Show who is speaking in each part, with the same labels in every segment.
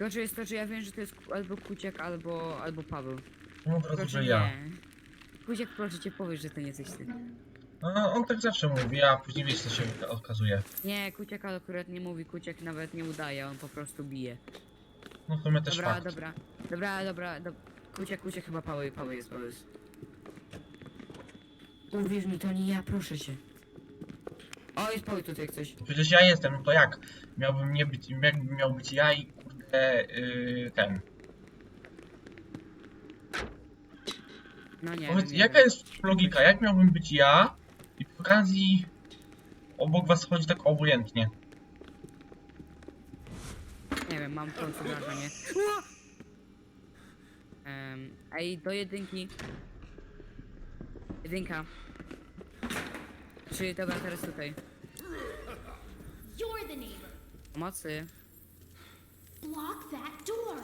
Speaker 1: Gorzej jest to, że ja wiem, że to jest albo Kuciak, albo Paweł.
Speaker 2: No od razu,
Speaker 1: Tylko,
Speaker 2: że
Speaker 1: że
Speaker 2: ja.
Speaker 1: nie. Kuciak, proszę cię, powiedz, że to nie jesteś ty.
Speaker 2: No, on tak zawsze mówi, a później wiesz co się okazuje.
Speaker 1: Nie, Kuciak akurat nie mówi, Kuciak nawet nie udaje, on po prostu bije.
Speaker 2: No w sumie też
Speaker 1: Dobra,
Speaker 2: fakt.
Speaker 1: Kuciak chyba Paweł jest. Uwierz mi, to nie ja, proszę cię. O, jest Paweł tutaj jak coś.
Speaker 2: Przecież ja jestem, no to jak? Miałbym nie być, jakbym miał być ja i kurde ten.
Speaker 1: No nie
Speaker 2: Powiedz,
Speaker 1: wiem,
Speaker 2: jaka jest logika? Jak miałbym być ja i przy okazji obok was chodzi tak obojętnie?
Speaker 1: Nie wiem, mam to wrażenie. Ej, do jedynki. Jedynka. Czyli dobra, teraz tutaj.
Speaker 3: You're the neighbor.
Speaker 1: Pomocy.
Speaker 3: Block that door.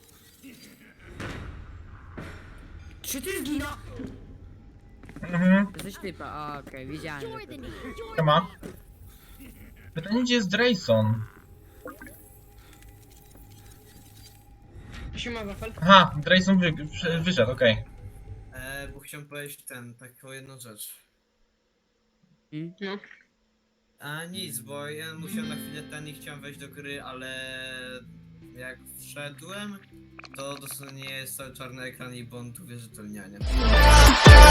Speaker 1: Czy ty zgina?
Speaker 2: Mhm.
Speaker 1: Jesteś typa, a okej, wiedziałem,
Speaker 3: You're
Speaker 1: że
Speaker 3: the
Speaker 1: ty.
Speaker 3: neighbor. You're
Speaker 2: Siema. Pytanie, gdzie jest Drayson?
Speaker 4: Siema, Wafel.
Speaker 2: Aha, Drayson wyszedł, okej.
Speaker 5: Bo chciałem powiedzieć taką jedną rzecz.
Speaker 4: No.
Speaker 5: A nic, bo ja musiałem na chwilę nie chciałem wejść do gry, ale jak wszedłem, to dosłownie jest cały czarny ekran i błąd uwierzytelniania.